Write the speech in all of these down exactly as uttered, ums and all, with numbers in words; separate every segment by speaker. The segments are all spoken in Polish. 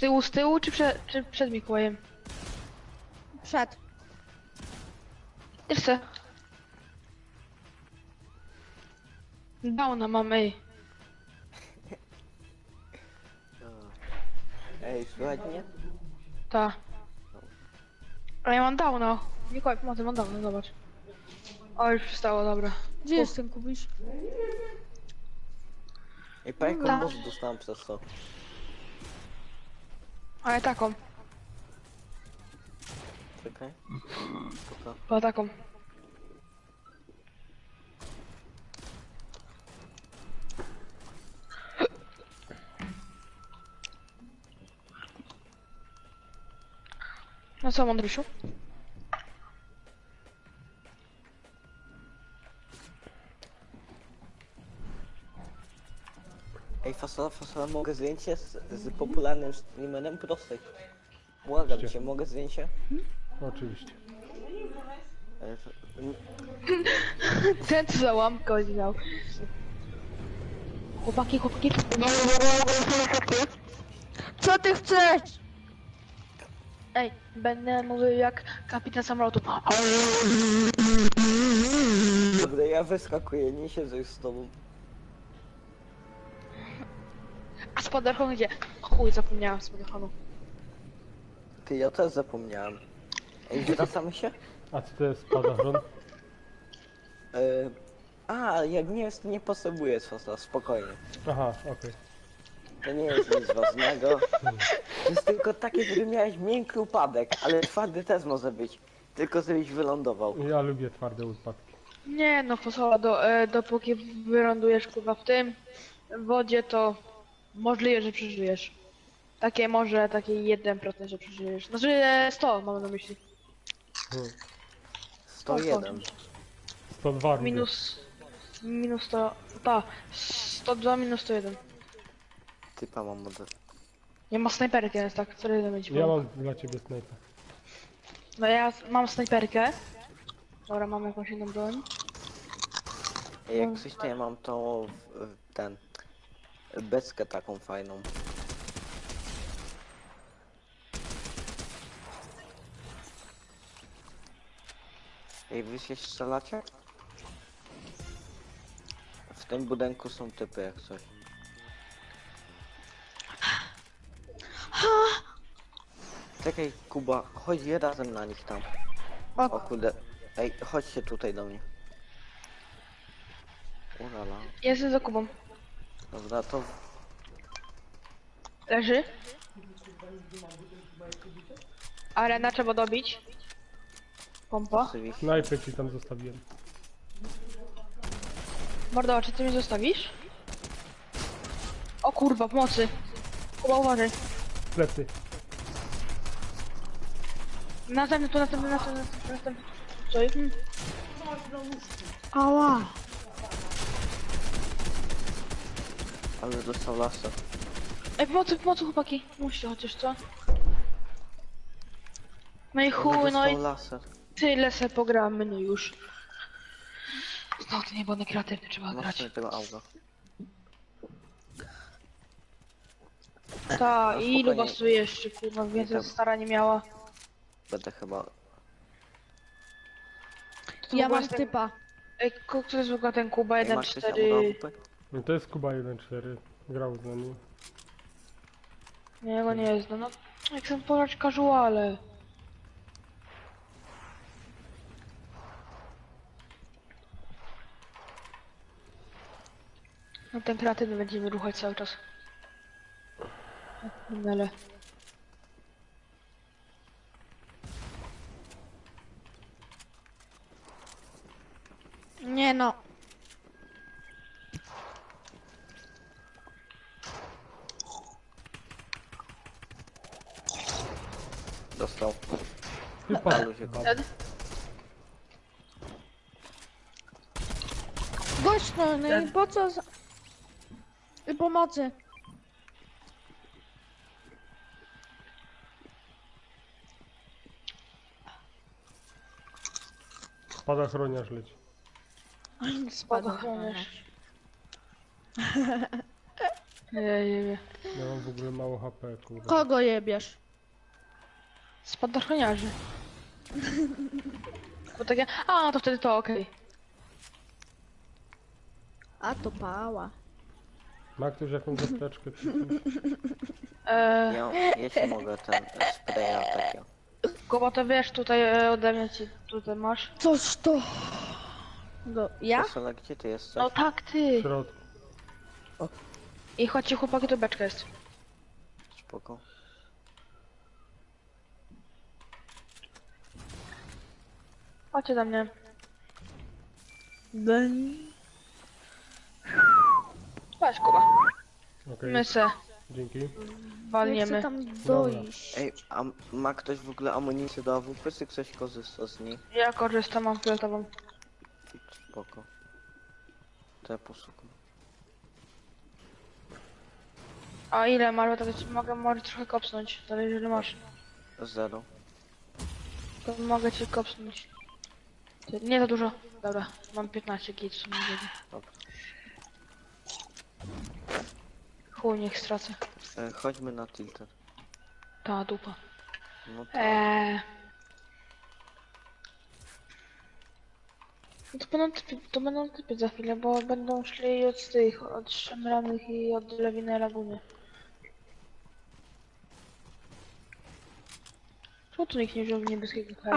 Speaker 1: tyłu, z tyłu, czy, prze, czy przed Mikołajem?
Speaker 2: Przed.
Speaker 1: Też chcę. Downa mam, ej.
Speaker 3: Ej, słuchaj mnie?
Speaker 1: Ta. A ja mam downa. Mikołaj, pomocy, mam downa, zobacz. O, już przestało, dobra.
Speaker 2: Gdzie jest ten Kubisz?
Speaker 3: Ej, pa jaką
Speaker 1: Tak.
Speaker 3: moc dostałem przez to?
Speaker 1: Ale taką,
Speaker 3: Czekaj. Spoko.
Speaker 1: po taką. No co, Mądrusiu?
Speaker 3: Ej, fasola, fasola, mogę zdjęcie z, z popularnym streamerem prostej. Błagam cię, mogę zdjęcie?
Speaker 4: Oczywiście.
Speaker 3: Ej, to-
Speaker 1: Ten co za łamkę miał. Chłopaki, chłopaki.
Speaker 2: Co ty chcesz?
Speaker 1: Ej, będę mówił jak kapitan samolotu.
Speaker 3: Kurde, ja wyskakuję, nie siedzę już z tobą.
Speaker 1: A spadochron gdzie? Chuj, zapomniałam spadochronu.
Speaker 3: Ty, ja też zapomniałem. Ej, wracamy się?
Speaker 4: A co to jest spadochron?
Speaker 3: Yy, a, jak nie jest, to nie potrzebuję fasola, spokojnie.
Speaker 4: Aha, okej.
Speaker 3: To nie jest nic ważnego. To jest tylko takie, żeby miałeś miękki upadek, ale twardy też może być. Tylko żebyś wylądował.
Speaker 4: Ja lubię twarde upadki.
Speaker 1: Nie no, fasola, do, e, dopóki wylądujesz kurwa w tym w wodzie, to możliwe, że przeżyjesz. Takie może, takie jeden procent, że przeżyjesz. Znaczy e, sto mam na myśli.
Speaker 3: sto jeden.
Speaker 4: sto dwa lubię.
Speaker 1: Minus... Minus sto... Ta. sto dwa minus sto jeden.
Speaker 3: Typa mam model.
Speaker 1: Nie ma snajperki, jest tak, co jeden będzie.
Speaker 4: Ja mam dla ciebie snajpa.
Speaker 1: No ja s- mam snajperkę. Dobra, mam jakąś inną broń.
Speaker 3: Ej, jak coś to ja mam tą... w- ten... Beskę taką fajną. Ej, wy się strzelacie? W tym budynku są typy jak coś. Czekaj, Kuba, chodź razem na nich tam. O kurde. Ej, chodźcie tutaj do mnie. Urala.
Speaker 1: Jestem za Kubą.
Speaker 3: Dobra, to...
Speaker 1: Leży. Arena trzeba dobić. Pompa.
Speaker 3: Oczywiście.
Speaker 4: Snajpę ci tam zostawiłem.
Speaker 1: Mordo, czy ty mnie zostawisz? O kurwa, pomocy. Kuba, uważaj.
Speaker 4: Plecy.
Speaker 1: Następny tu, następny, następny, następny, następny. Co jest? Hmm.
Speaker 2: Ała.
Speaker 3: Ale dostał laser.
Speaker 1: Ej, pomocy, pomocy chłopaki. Musicie chociaż, co? No i chuj, no
Speaker 3: dostał
Speaker 1: i
Speaker 3: laser.
Speaker 1: tyle se pogramy, no już. No to nie było kreatywne, trzeba
Speaker 3: Masz
Speaker 1: grać.
Speaker 3: sobie tego auga.
Speaker 1: Ta,
Speaker 3: No,
Speaker 1: i ilu
Speaker 3: spokojnie.
Speaker 1: was tu jeszcze, kurwa, więcej
Speaker 3: tam-
Speaker 1: stara nie miała.
Speaker 3: Będę chyba...
Speaker 1: To
Speaker 2: Ja
Speaker 1: w ogóle
Speaker 2: mam
Speaker 1: jest ten-
Speaker 2: typa.
Speaker 1: Ej, ku- kto jest w ogóle ten Kuba
Speaker 3: Ej,
Speaker 1: jeden
Speaker 3: masz coś
Speaker 1: cztery?
Speaker 3: aurowupy?
Speaker 4: No to jest Kuba jeden cztery. Grał z nami.
Speaker 1: Nie, jego nie jest, no, no. Jak chcę pograć casuale. No ten kreatywny będziemy ruchać cały czas. Ale...
Speaker 2: Nie no.
Speaker 3: Dostał.
Speaker 4: Typa.
Speaker 3: Ale się kopał.
Speaker 1: Dead?
Speaker 2: Gość no, no i po co za... I pomocy.
Speaker 4: Spadochroniarz leci.
Speaker 1: Spadochroniarz. Nie, nie, nie.
Speaker 4: Ja mam w ogóle mało H P, kurwa.
Speaker 2: Kogo jebiesz?
Speaker 1: Spadochroniarzy. Bo takie, a no to wtedy to okej.
Speaker 2: A to pała.
Speaker 4: Ma ktoś jakąś apteczkę?
Speaker 1: Eee,
Speaker 3: Ja, ja ci mogę ten e, spraya takiego.
Speaker 1: Kuba, to wiesz, tutaj e, ode mnie ci tutaj masz.
Speaker 2: Coś to... No, ja?
Speaker 3: Wesola, gdzie ty jesteś?
Speaker 1: No tak,
Speaker 4: W
Speaker 1: ty.
Speaker 4: środku.
Speaker 1: I chodźcie chłopaki, to beczka jest.
Speaker 3: Spoko.
Speaker 1: Chodźcie do mnie.
Speaker 2: Beń.
Speaker 1: Chodź Kuba.
Speaker 4: Okej,
Speaker 1: My se
Speaker 4: dzięki.
Speaker 2: Ja chcę
Speaker 1: walniemy.
Speaker 2: tam dojść.
Speaker 3: Ej, a ma ktoś w ogóle amunicję do A W P, czy ktoś korzysta z niej?
Speaker 1: Ja korzystam, mam fioletową.
Speaker 3: Spoko. To ja poszukam.
Speaker 1: A ile masz? Bo to ci mogę może trochę kopsnąć. To jeżeli masz,
Speaker 3: Zero.
Speaker 1: to mogę ci kopsnąć. Ty- Nie za dużo. Dobra, mam piętnaście git w sumie.
Speaker 3: Dobra.
Speaker 1: Chuj, niech stracę.
Speaker 3: E, chodźmy na tilted.
Speaker 1: Ta dupa.
Speaker 3: No to
Speaker 1: Eee. No to będą typy, to będą typy za chwilę, bo będą szli od tych, od szemranych i od lewiny laguny. Czemu tu nikt nie wziął niebieskiego kraja?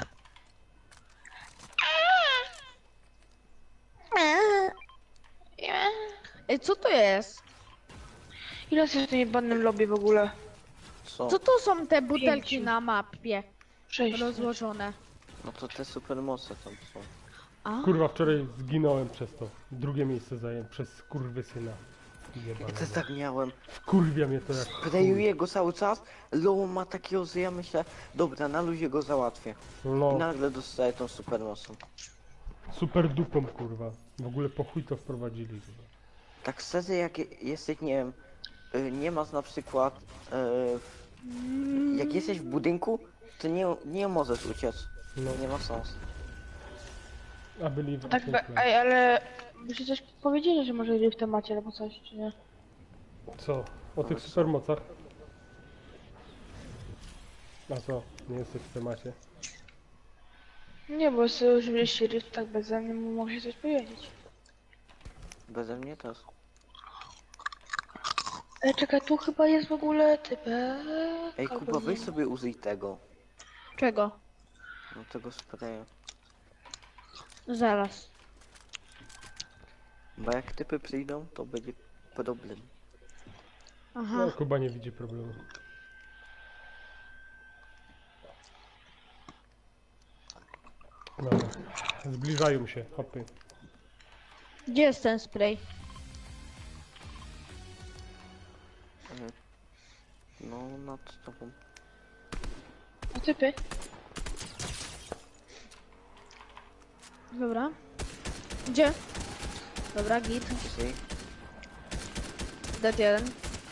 Speaker 2: Ej, co to jest?
Speaker 1: Ile jest w tym jebanym lobby w ogóle?
Speaker 3: co?
Speaker 2: Co to są te butelki
Speaker 1: Pięciu.
Speaker 2: na mapie
Speaker 1: Sześć.
Speaker 2: rozłożone?
Speaker 3: No to te supermoce tam są.
Speaker 2: A?
Speaker 4: Kurwa, wczoraj zginąłem przez to. Drugie miejsce zająłem przez kurwysyna.
Speaker 3: Ja też
Speaker 4: Jebanego.
Speaker 3: tak miałem.
Speaker 4: Wkurwia mnie to jak chuj.
Speaker 3: Sprayuję go cały czas. Low ma takiego, że ja myślę, dobra, na luzie go załatwię. I
Speaker 4: No,
Speaker 3: nagle dostaję tą supermocą.
Speaker 4: super dupą, kurwa. W ogóle po chuj to wprowadzili. Kurwa.
Speaker 3: Tak szczerze, jak je- jesteś, nie wiem, y, nie masz na przykład, y, jak jesteś w budynku, to nie, nie możesz uciec.
Speaker 4: No,
Speaker 3: Nie ma sensu.
Speaker 4: a byli w
Speaker 1: Tak, be, ej, ale byście coś powiedzieli, że może w temacie albo coś, czy nie?
Speaker 4: Co? O tych supermocach? A co? Nie jesteś w temacie?
Speaker 1: Nie, bo sobie użyliście rift tak beze mnie, mogę coś powiedzieć.
Speaker 3: Beze mnie też.
Speaker 1: Ej, czekaj, tu chyba jest w ogóle typek.
Speaker 3: Ej,
Speaker 1: albo
Speaker 3: Kuba, weź
Speaker 1: nie.
Speaker 3: sobie użyj tego.
Speaker 2: Czego?
Speaker 3: No tego spraya.
Speaker 2: Zaraz.
Speaker 3: Bo jak typy przyjdą, to będzie problem.
Speaker 2: Aha.
Speaker 4: No, Kuba nie widzi problemu. Dobra. Zbliżają się, hopy.
Speaker 2: Gdzie jest ten spray?
Speaker 3: Mhm. No, nad tobą.
Speaker 1: A typy?
Speaker 2: Dobra. Gdzie? Dobra, git.
Speaker 3: Użyj.
Speaker 2: Dead jeden.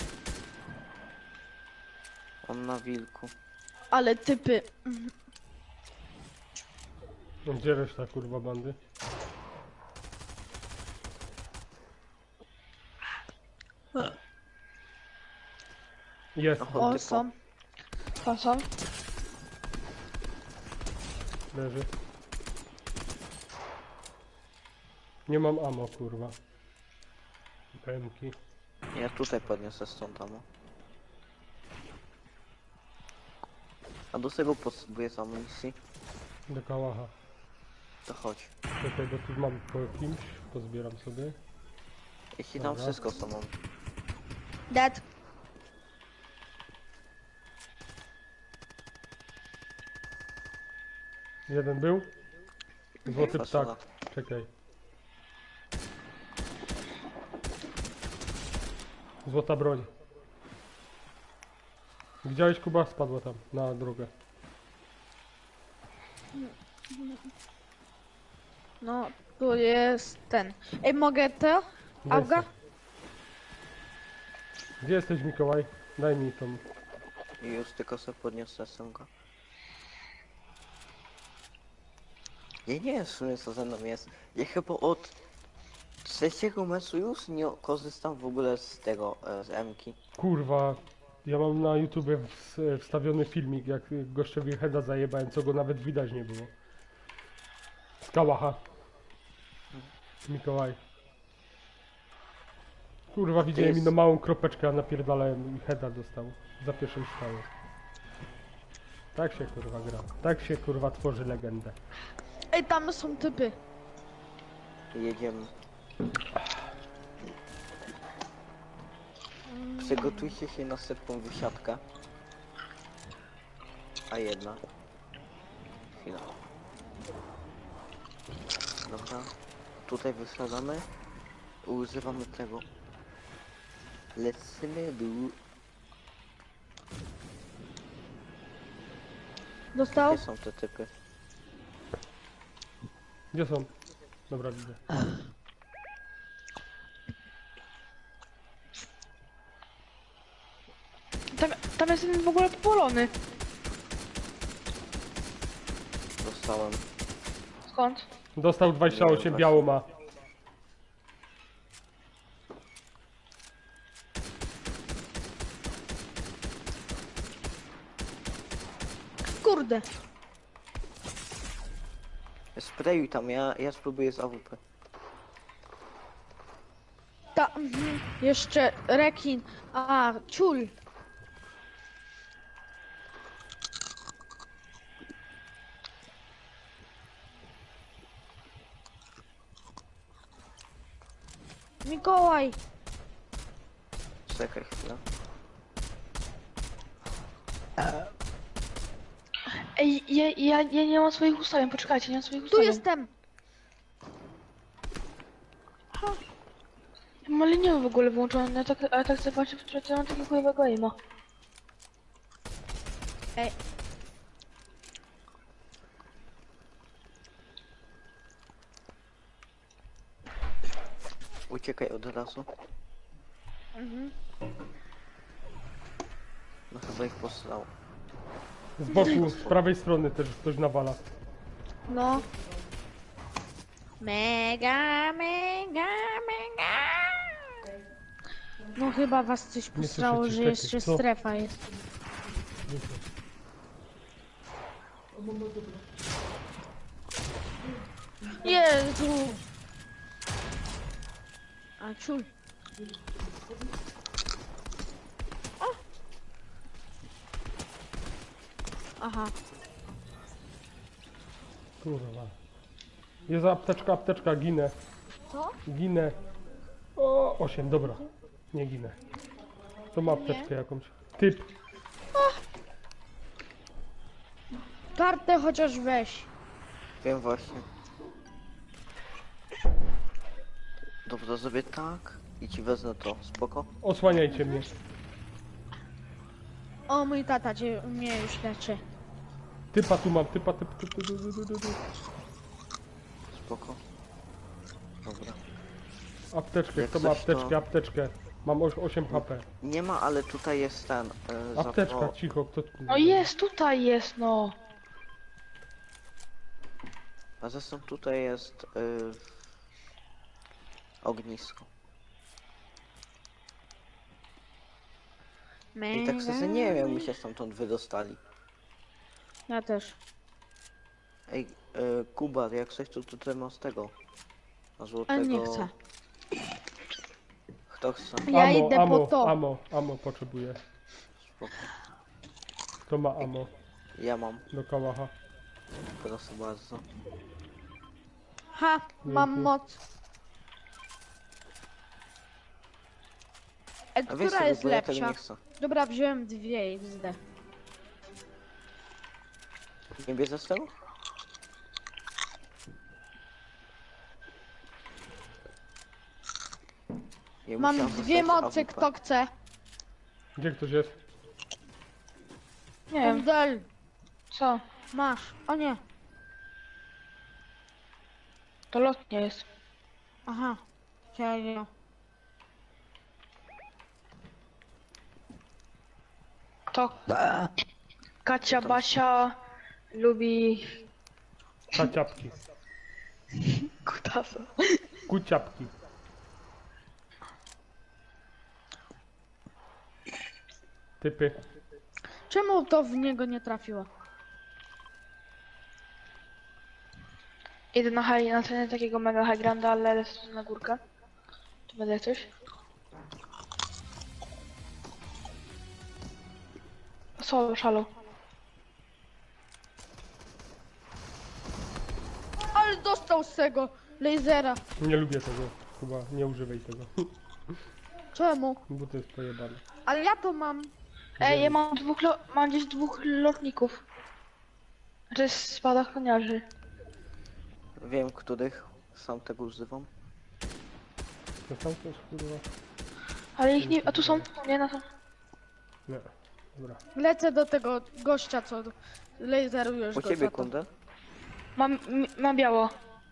Speaker 3: On na wilku.
Speaker 2: Ale typy.
Speaker 4: No, gdzie reszta kurwa bandy? Jest,
Speaker 3: Oho,
Speaker 2: O,
Speaker 3: typo.
Speaker 2: są.
Speaker 1: Tam są?
Speaker 4: leży. Nie mam ammo kurwa. Pemki.
Speaker 3: Ja tutaj podniosę stąd tam. A do tego potrzebuję amunicji.
Speaker 4: Do kałacha.
Speaker 3: To chodź.
Speaker 4: Czekaj, bo tu mam po kimś. Pozbieram sobie.
Speaker 3: Jeśli tam
Speaker 4: Dobra.
Speaker 3: wszystko co mam.
Speaker 2: Dead.
Speaker 4: Jeden był? Złoty ptak.
Speaker 3: Fasola.
Speaker 4: Czekaj. Złota broń. Widziałeś Kuba? Spadła tam, na drogę.
Speaker 2: No, tu jest ten. Ej, mogę to?
Speaker 4: Daj
Speaker 2: Auga?
Speaker 4: se. Gdzie jesteś Mikołaj? Daj mi tą.
Speaker 3: I już tylko sobie podniosę sumkę. Ja nie wiem w sumie co ze mną jest. Ja chyba od Trzeciego meczu już nie korzystam w ogóle z tego, e, z M-ki.
Speaker 4: Kurwa, ja mam na YouTubie ws- wstawiony filmik, jak gościowi heada zajebałem, co go nawet widać nie było. Z Kałacha. Mikołaj. Kurwa, widziałem
Speaker 3: jest-
Speaker 4: inną małą kropeczkę, a napierdalałem i heada dostał. Za pierwszym strzałem. Tak się kurwa gra. Tak się kurwa tworzy legendę.
Speaker 2: Ej, tam są typy.
Speaker 3: Jedziemy. Przygotujcie się na setką wysiadkę. A jedna. Chwila. Dobra. Tutaj wysiadamy. Używamy tego. Lecimy dół.
Speaker 2: Dostał?
Speaker 3: Gdzie są te typy?
Speaker 4: Gdzie są? Dobra, widzę.
Speaker 1: Tam, tam jest jeden w ogóle popolony.
Speaker 3: Dostałem.
Speaker 1: Skąd?
Speaker 4: Dostał dwadzieścia osiem,
Speaker 3: Nie,
Speaker 4: biało ma.
Speaker 2: Kurde.
Speaker 3: Sprayuj tam, ja, ja spróbuję z A W P.
Speaker 2: Ta, mhm. Jeszcze rekin. A, ciul. Mikołaj.
Speaker 3: Czekaj chwilę.
Speaker 1: Ej, ja, ja, ja nie mam swoich ustawień, poczekajcie, nie mam swoich
Speaker 2: Tu
Speaker 1: ustawień.
Speaker 2: jestem.
Speaker 1: Ja mam liniowy w ogóle włączony, ja tak, a ja tak chcę patrzeć, że ja mam takiego chujowego aima.
Speaker 2: Ej.
Speaker 3: Uciekaj od razu.
Speaker 2: Mhm.
Speaker 3: No chyba ich posłał.
Speaker 4: Z boku, z prawej strony też ktoś nawala.
Speaker 2: No. Mega, mega, mega. No chyba was coś
Speaker 4: Nie
Speaker 2: posrało,
Speaker 4: słyszę cię,
Speaker 2: że
Speaker 4: czekaj,
Speaker 2: jeszcze
Speaker 4: co?
Speaker 2: strefa jest. Jezu. A ciul. O. Aha.
Speaker 4: Kurwa. Jest apteczka, apteczka, ginę.
Speaker 2: Co?
Speaker 4: Ginę. O, osiem, dobra. Nie ginę. To ma apteczkę jakąś. Typ.
Speaker 2: Kartę chociaż weź.
Speaker 3: Wiem właśnie. Dobrze, zrobię tak i ci wezmę to, spoko?
Speaker 4: Osłaniajcie mnie.
Speaker 2: O, mój tata cię, mnie już leczy.
Speaker 4: Typa tu mam, typa, typ, typ, typ, typ, typ, typ, typ.
Speaker 3: Spoko. Dobra.
Speaker 4: Apteczkę,
Speaker 3: Jak
Speaker 4: kto ma
Speaker 3: coś, to-
Speaker 4: apteczkę, apteczkę. Mam oś- osiem H P.
Speaker 3: Nie ma, ale tutaj jest ten. E,
Speaker 4: Apteczka,
Speaker 3: zapro-
Speaker 4: cicho, kto tu?
Speaker 1: No jest, tutaj jest, no.
Speaker 3: A zresztą tutaj jest y, ognisko. I tak sobie nie wiem, my się stamtąd wydostali.
Speaker 2: Ja też.
Speaker 3: Ej, y, Kuba, jak coś to tutaj ma z tego. Na
Speaker 2: A
Speaker 3: złotego.
Speaker 2: nie chcę.
Speaker 3: Kto chce?
Speaker 2: Ja
Speaker 4: Amo,
Speaker 2: idę
Speaker 4: amo,
Speaker 2: po to.
Speaker 4: amo, amo potrzebuję.
Speaker 3: Spoko.
Speaker 4: Kto ma amo
Speaker 3: Ja mam,
Speaker 4: do kałacha?
Speaker 3: proszę bardzo.
Speaker 2: Ha, mam
Speaker 4: Dzięki.
Speaker 2: moc. E,
Speaker 3: A wiesz
Speaker 2: która
Speaker 3: co,
Speaker 2: jest
Speaker 3: bo ja tego
Speaker 2: lepsza?
Speaker 3: nie chcę.
Speaker 2: Dobra, wziąłem dwie i wzdę.
Speaker 3: Nie bierzesz tego? Ja
Speaker 2: Mam
Speaker 3: musiałem
Speaker 2: dwie
Speaker 3: dostać
Speaker 2: mocy,
Speaker 3: A W P.
Speaker 2: kto chce.
Speaker 4: Gdzie ktoś jest?
Speaker 1: Nie wiem,
Speaker 2: Kundel,
Speaker 1: co?
Speaker 2: masz. O nie.
Speaker 1: To lotnie jest.
Speaker 2: Aha. Serio.
Speaker 1: To Kacia Basia lubi
Speaker 4: Kaciapki.
Speaker 1: kutasa.
Speaker 4: Kuciapki. Typy.
Speaker 2: Czemu to w niego nie trafiło?
Speaker 1: Idę na high, na cenę takiego mega high granda, ale lecę na górkę. Tu będę coś. Solo, szalo.
Speaker 2: Ale dostał z tego lasera.
Speaker 4: Nie lubię tego. Chyba nie używaj tego.
Speaker 2: Czemu?
Speaker 4: Bo to jest pojebane.
Speaker 2: Ale ja to mam.
Speaker 1: Ej, ja mam dwóch, lo mam gdzieś dwóch lotników. To jest spadochroniarzy.
Speaker 3: Wiem, których sam tego używam.
Speaker 4: To tam też kurwa.
Speaker 1: Ale ich nie... A tu są? Nie, na są.
Speaker 4: Nie. Dobra.
Speaker 2: Lecę do tego gościa, co laserujesz
Speaker 3: Po
Speaker 2: go
Speaker 3: ciebie,
Speaker 2: za to.
Speaker 3: kundę?
Speaker 1: Mam, m- mam biało.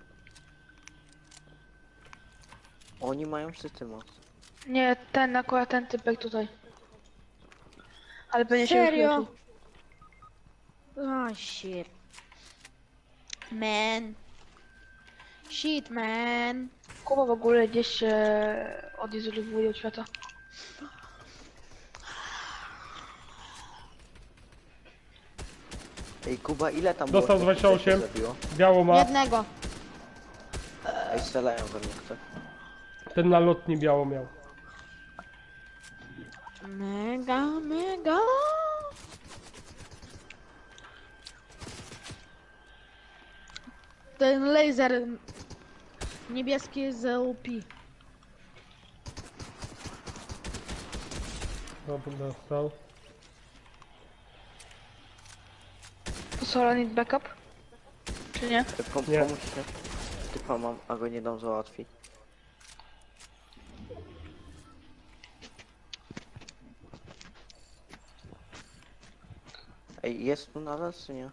Speaker 3: Oni mają wszyscy moc.
Speaker 1: Nie, ten akurat ten typek tutaj. Ale będzie się
Speaker 2: Serio?
Speaker 1: już leczył.
Speaker 2: Oh shit. Man. Shit, man.
Speaker 1: Kuba w ogóle gdzieś się odizolowuje od świata.
Speaker 3: Ej, Kuba, ile tam
Speaker 4: Dostał
Speaker 3: było?
Speaker 4: dwadzieścia osiem.
Speaker 3: Się zabiło?
Speaker 4: Biało ma.
Speaker 2: Jednego.
Speaker 3: Ej, strzelają we mnie kto.
Speaker 4: Ten na lotni biało miał.
Speaker 2: Mega, mega. Ten laser niebieski jest z O P.
Speaker 4: Dobra, dostał.
Speaker 1: To Sora need backup? Czy nie?
Speaker 3: Ej, Pom
Speaker 4: Nie.
Speaker 3: pomóżcie. Typa mam, a go nie dam załatwić. Ej, jest tu nadal, czy nie?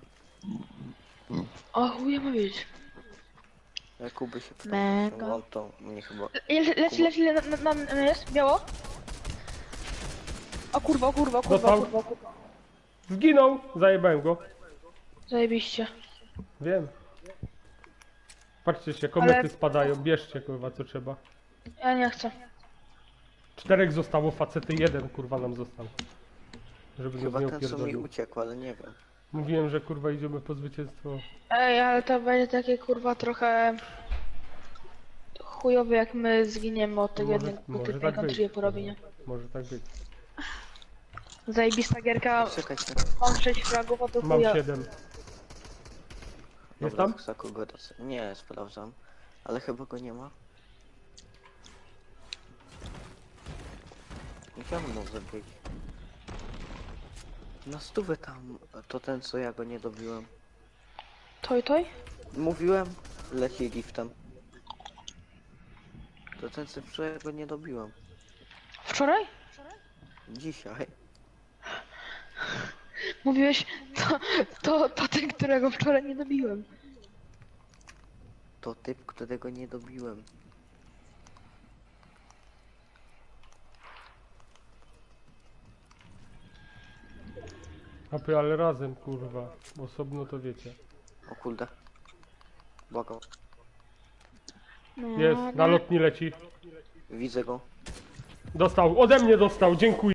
Speaker 1: O chuj, ma wiedzieć.
Speaker 3: Ja Kuby się pytam,
Speaker 2: Mega.
Speaker 3: czy on to mnie chyba...
Speaker 1: Leci, leci, leci, leci, na, na, na, jest? Biało? O kurwa, o kurwa, o kurwa, o
Speaker 4: Dostał.
Speaker 1: kurwa, o kurwa.
Speaker 4: Zginął! Zajebałem go.
Speaker 1: Zajebiście.
Speaker 4: Wiem. Patrzcie się, komety
Speaker 1: Ale-
Speaker 4: spadają. Bierzcie kurwa co trzeba.
Speaker 1: Ja nie chcę.
Speaker 4: Czterech zostało, facety jeden kurwa nam został. Żeby nas
Speaker 3: Chyba
Speaker 4: nie
Speaker 3: ten co mi
Speaker 4: opierdolił.
Speaker 3: uciekł, ale nie wiem.
Speaker 4: Mówiłem, że kurwa idziemy po zwycięstwo.
Speaker 1: Ej, ale to będzie takie kurwa trochę... chujowe jak my zginiemy od tego
Speaker 4: Może-
Speaker 1: jednego
Speaker 4: może
Speaker 1: typy
Speaker 4: tak
Speaker 1: country
Speaker 4: być.
Speaker 1: po robinie.
Speaker 4: Może tak być.
Speaker 1: Zajebista gierka,
Speaker 3: Czekajcie.
Speaker 1: mam sześć fragów, a to
Speaker 4: Mam
Speaker 1: chuja.
Speaker 4: siedem. Jest
Speaker 3: Dobra,
Speaker 4: tam?
Speaker 3: za kogo to... Nie, sprawdzam. Ale chyba go nie ma. Gdzie on może być? Na stówę tam, to ten co ja go nie dobiłem.
Speaker 1: Toj, toj?
Speaker 3: Mówiłem, leci giftem. To ten co wczoraj go nie dobiłem.
Speaker 1: Wczoraj?
Speaker 3: Dzisiaj.
Speaker 1: Mówiłeś, to, to, to ten, którego wczoraj nie dobiłem.
Speaker 3: To typ, którego nie dobiłem.
Speaker 4: Apy, ale razem kurwa. Osobno to wiecie.
Speaker 3: O kurde. Błagam.
Speaker 4: Jest, na lotni leci.
Speaker 3: Widzę go.
Speaker 4: Dostał, ode mnie dostał, dziękuję.